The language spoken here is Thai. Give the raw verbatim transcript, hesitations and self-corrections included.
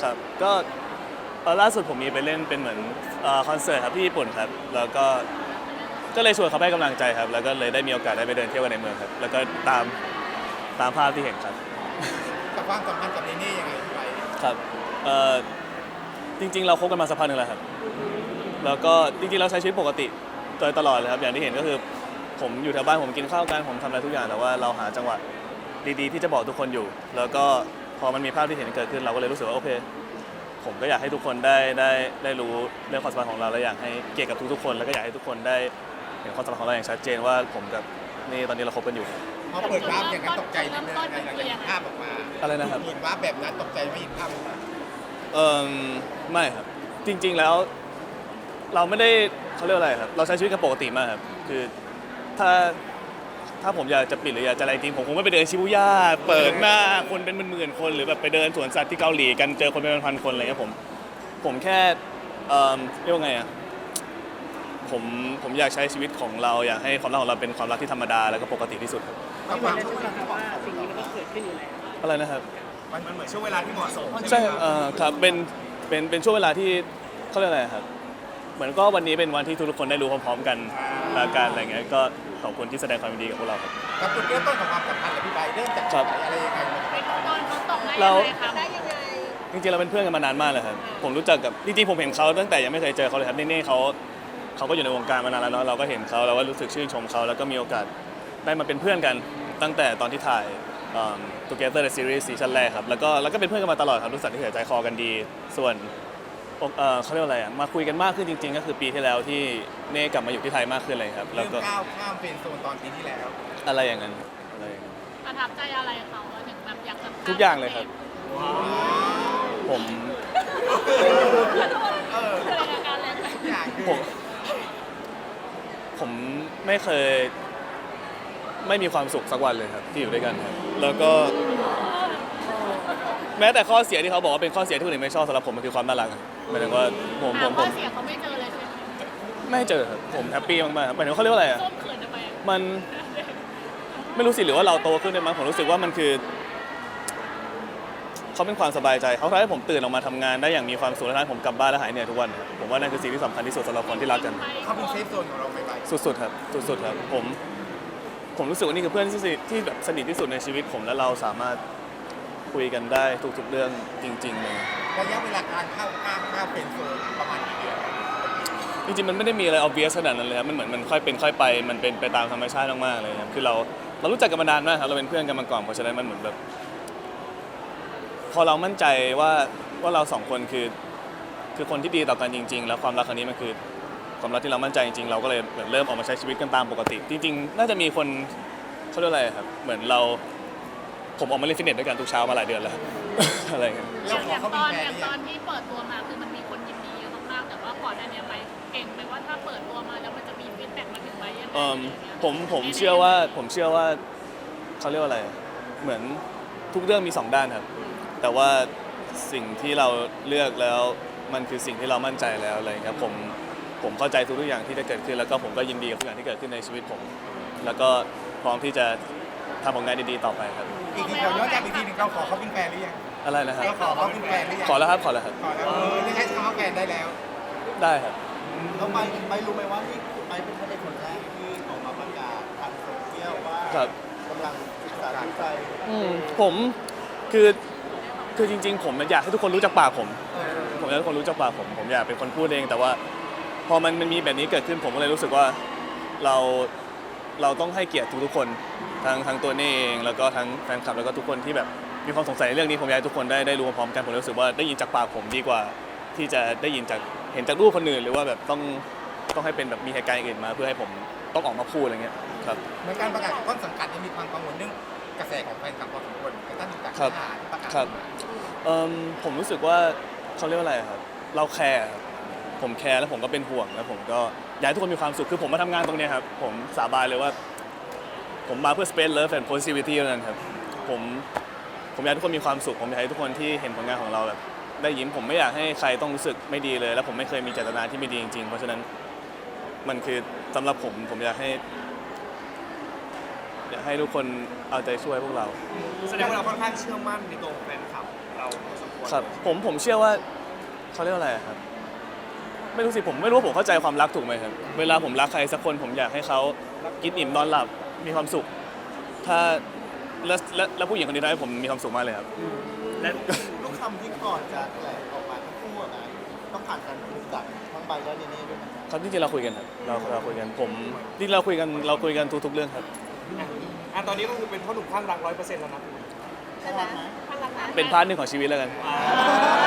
ครับก็เออล่าสุดผมมีไปเล่นเป็นเหมือนเอ่อคอนเสิร์ตครับที่ญี่ปุ่นครับแล้วก็ก็เลยชวนเขาไปให้กำลังใจครับแล้วก็เลยได้มีโอกาสได้ไปเดินเที่ยวกันในเมืองครับแล้วก็ตามตามภาพที่เห็นครับกับความสัมพันธ์กับเนเน่ยังไงพี่ไปครับเอ่อจริงๆเราคบกันมาสักพักหนึ่งแล้วครับแล้วก็จริงๆเราใช้ชีวิตปกติโดยตลอดเลยครับอย่างที่เห็นก็คือผมอยู่แถวบ้านผมกินข้าวกันผมทำอะไรทุกอย่างแต่ว่าเราหาจังหวะดีๆที่จะบอกทุกคนอยู่แล้วก็พอมันมีภาพที่เห็นเกิดขึ้นเราก็เลยรู้สึกว่าโอเคผมก็อยากให้ทุกคนได้ได้ได้รู้เรื่องความสัมพันธ์ของเราและอยากให้เกียรติกับทุกๆคนแล้วก็อยากให้ทุกคนได้เห็นความสัมพันธ์ของเราอย่างชัดเจนว่าผมกับนี่ตอนนี้เราคบกันอยู่พอเปิดวาร์ปอย่างนั้นตกใจนิดนึงหลังจากเห็นภาพออกมาอะไรนะครับเห็นวาร์ปแบบนั้นตกใจไม่เห็นภาพออกมาเออไม่ครับจริงๆแล้วเราไม่ได้เขาเรียกอะไรครับเราใช้ชีวิตกันปกติมากครับคือถ้าถ้าผมอยากจะปิดหรืออยากจะอะไรจริงผมคงไม่ไปเดินชิบูย่าเปิดหน้าคนเป็นหมื่นๆคนหรือแบบไปเดินสวนสัตว์ที่เกาหลีกันเจอคนเป็นพันๆคนอะไรเงี้ยผมผมแค่เอ่อเรียกว่าไงอ่ะผมผมอยากใช้ชีวิตของเราอยากให้ความรักของเราเป็นความรักที่ธรรมดาแล้วก็ปกติที่สุดครับกับความช่วงเวลาว่าสิ่งนี้มันก็เกิดขึ้นอยู่แล้วอะไรนะครับมันเหมือนช่วงเวลาที่เหมาะสมใช่เอ่อครับเป็นเป็นเป็นช่วงเวลาที่เขาเรียกอะไรครับเหมือนก็วันนี้เป็นวันที่ทุกคนได้รู้พร้อมๆกันและกันอะไรเงี้ยก็ขอบคุณที่แสดงความยินดีกับพวกเราครับกับจุดเริ่มต้นของความสัมพันธ์กับพี่ใบเริ่มจากอะไรยังไงตอนเขาตกได้เราได้ยังไงจริงๆเราเป็นเพื่อนกันมานานมากเลยครับผมรู้จักกับจริงๆผมเห็นเขาตั้งแต่ยังไม่เคยเจอเขาเลยครับเน่ๆเขาเขาก็อยู่ในวงการมานานแล้วเนาะเราก็เห็นเขาเราก็รู้สึกชื่นชมเขาแล้วก็มีโอกาสได้มาเป็นเพื่อนกันตั้งแต่ตอนที่ถ่าย Together the Series ซีซั่นแรกครับแล้วก็แล้วก็เป็นเพื่อนกันมาตลอดครับรู้สึกที่ใจคอกันดีส่วนเอ่อเขาเรียกอะไรอ่ะมาคุยกันมากขึ้นจริงๆก็คือปีที่แล้วที่เน่กลับมาอยู่ที่ไทยมากขึ้นเลยครับแล้วก็ก้าวข้ามเป็นโซนตอนปีที่แล้วอะไรอย่างนั้นอะไรอย่างนั้นประทับใจอะไรเขาถึงแบบอยากจะทุกอย่างเลยครับผมผมผมไม่เคยไม่มีความสุขสักวันเลยครับที่อยู่ด้วยกันครับแล้วก็แม้แต่ข้อเสียที่เขาบอกว่าเป็นข้อเสียที่คนอื่นไม่ชอบสำหรับผมมันคือความน่ารักหมายถึงว่าผมผมผมข้อเสียเขาไม่เจอเลยใช่ไหมไม่เจอครับผมแฮปปี้มากๆหมายถึงเขาเรียกว่าอะไรอ่ะมันไม่รู้สิหรือว่าเราโตขึ้นด้วยมั้งผมรู้สึกว่ามันคือเขาเป็นความสบายใจเขาทำให้ผมตื่นออกมาทำงานได้อย่างมีความสุขและทำให้ผมกลับบ้านและหายเหนื่อยทุกวันผมว่านั่นคือสิ่งที่สำคัญที่สุดสำหรับคนที่รักกันเขาเป็นเซฟโซนของเราไปสุดๆครับสุดๆครับผมผมรู้สึกว่านี่คือเพื่อนที่ที่แบบสนิทที่สุดในชีวิตผมและเราสามารถคุยกันได้ทุกๆเรื่องจริงๆเลยระยะเวลาการเข้าข้ามข้ามเป็นโซนประมาณกี่เดือนจริงๆมันไม่ได้มีอะไร obvious ขนาดนั้นเลยครับมันเหมือนมันค่อยเป็นค่อยไปมันเป็นไปตามธรรมชาติมากๆเลยครับคือเราเรารู้จักกันมานานมากครับเราเป็นเพื่อนกันมาก่อนเพราะฉะนั้นมันเหมือนแบบพอเรามั่นใจว่าว่าเราสองคนคือคือคนที่ดีต่อกันจริงๆแล้วความรักครั้งนี้มันคือความรักที่เรามั่นใจจริงๆเราก็เลยเหมือนเริ่มออกมาใช้ชีวิตกันตามปกติจริงๆน่าจะมีคนเขาเรียกอะไรครับเหมือนเราผมออกมาเล่นฟิตเนสด้วยกันทุกเช้ามาหลายเดือนแล้วอะไรเงี้ยอย่างตอนอย่างตอนที่เปิดตัวมาคือมันมีคนยินดีเยอะมากๆแต่ว่าก่อนหน้านี้ไปเก่งไปว่าถ้าเปิดตัวมาแล้วมันจะมีฟีดแบ็กมาถึงไปยังไงผมผมเชื่อว่าผมเชื่อว่าเขาเรียกว่าอะไรเหมือนทุกเรื่องมีสองด้านครับแต่ว่าสิ่งที่เราเลือกแล้วมันคือสิ่งที่เรามั่นใจแล้วอะไรครับผมผมเข้าใจทุกๆอย่างที่ได้เกิดขึ้นแล้วก็ผมก็ยินดีกับทุกอย่างที่เกิดขึ้นในชีวิตผมแล้วก็พร้อมที่จะทำผลงานดีๆต่อไปครับอีกทีเราย้อนกลับอีกทีหนึ่งเราขอเขาเป็นแฟนหรือยังอะไรนะครับขอเขาเป็นแฟนหรือยังขอแล้วครับขอแล้วครับขอแล้วเออได้ใช้คำว่าแฟนได้แล้วได้ครับแล้วไปไปรู้ไหมว่าที่ไปเป็นคนคนแรกที่ออกมาประกาศทางโซเชียลว่ากำลังศึกษาดูใจผมคือคือจริงๆผมอยากให้ทุกคนรู้จักปากผมผมอยากให้ทุกคนรู้จักปากผมผมอยากเป็นคนพูดเองแต่ว่าพอมันมันมีแบบนี้เกิดขึ้นผมก็เลยรู้สึกว่าเราเราต้องให้เกียรติทุกๆคนทั้งทั้งตัวนี่เองแล้วก็ทั้งแฟนคลับแล้วก็ทุกคนที่แบบมีความสงสัยในเรื่องนี้ผมอยากให้ทุกคนได้ได้รู้พร้อมกันผมรู้สึกว่าได้ยินจากปากผมดีกว่าที่จะได้ยินจากเห็นจากรูปคนอื่นหรือว่าแบบต้องต้องให้เป็นแบบมีเหตุการณ์อื่นมาเพื่อให้ผมต้องออกมาพูดอะไรเงี้ยครับเหมือนการประกาศของต้นสังกัดยังมีความกังวลเรื่องกระแสของแฟนคลับพอสมควรกระทั่งจากที่ประกาศครับผมรู้สึกว่าเขาเรียกว่าอะไรครับเราแคร์ผมแคร์แล้วผมก็เป็นห่วงแล้วผมก็อยากให้ทุกคนมีความสุขคือผมมาทำงานตรงนี้ครับผมสาบานเลยว่าผมมาเพื่อ space love and positivity เท่านั้นครับผมผมอยากให้ทุกคนมีความสุขผมอยากให้ทุกคนที่เห็นผลงานของเราแบบได้ยิ้มผมไม่อยากให้ใครต้องรู้สึกไม่ดีเลยแล้วผมไม่เคยมีเจตนาที่ไม่ดีจริงๆเพราะฉะนั้นมันคือสำหรับผมผมอยากให้อยากให้ทุกคนเอาใจช่วยพวกเราแสดงว่าเราค่อนข้างเชื่อมั่นในตัวแฟนคลับเราเราพอสมควรครับผมผมเชื่อว่าเขาเรียกว่าอะไรอะครับไม่รู้สิผมไม่รู้ว่าผมเข้าใจความรักถูกไหมครับเวลาผมรักใครสักคนผมอยากให้เขากินอิ่มนอนหลับมีความสุข ถ้าและและและผู้หญิงคนนี้ทำให้ผมมีความสุขมากเลยครับและลูกคำที่ก่อนจะแถลงออกมาทั้งคู่อะนะต้องผ่านการคุยกับทั้งใบและเนเน่ด้วยนะครับจริงๆเราคุยกันครับเราเราคุยกันผมจริงๆเราคุยกันเราคุยกันทุกๆเรื่องครับอ่ะตอนนี้ก็คือเป็นพ่อหนุ่มข้างรักร้อยเปอร์เซ็นต์แล้วนะใช่ไหมพลังงานเป็นพาร์ทหนึ่งของชีวิตแล้วกันอ่า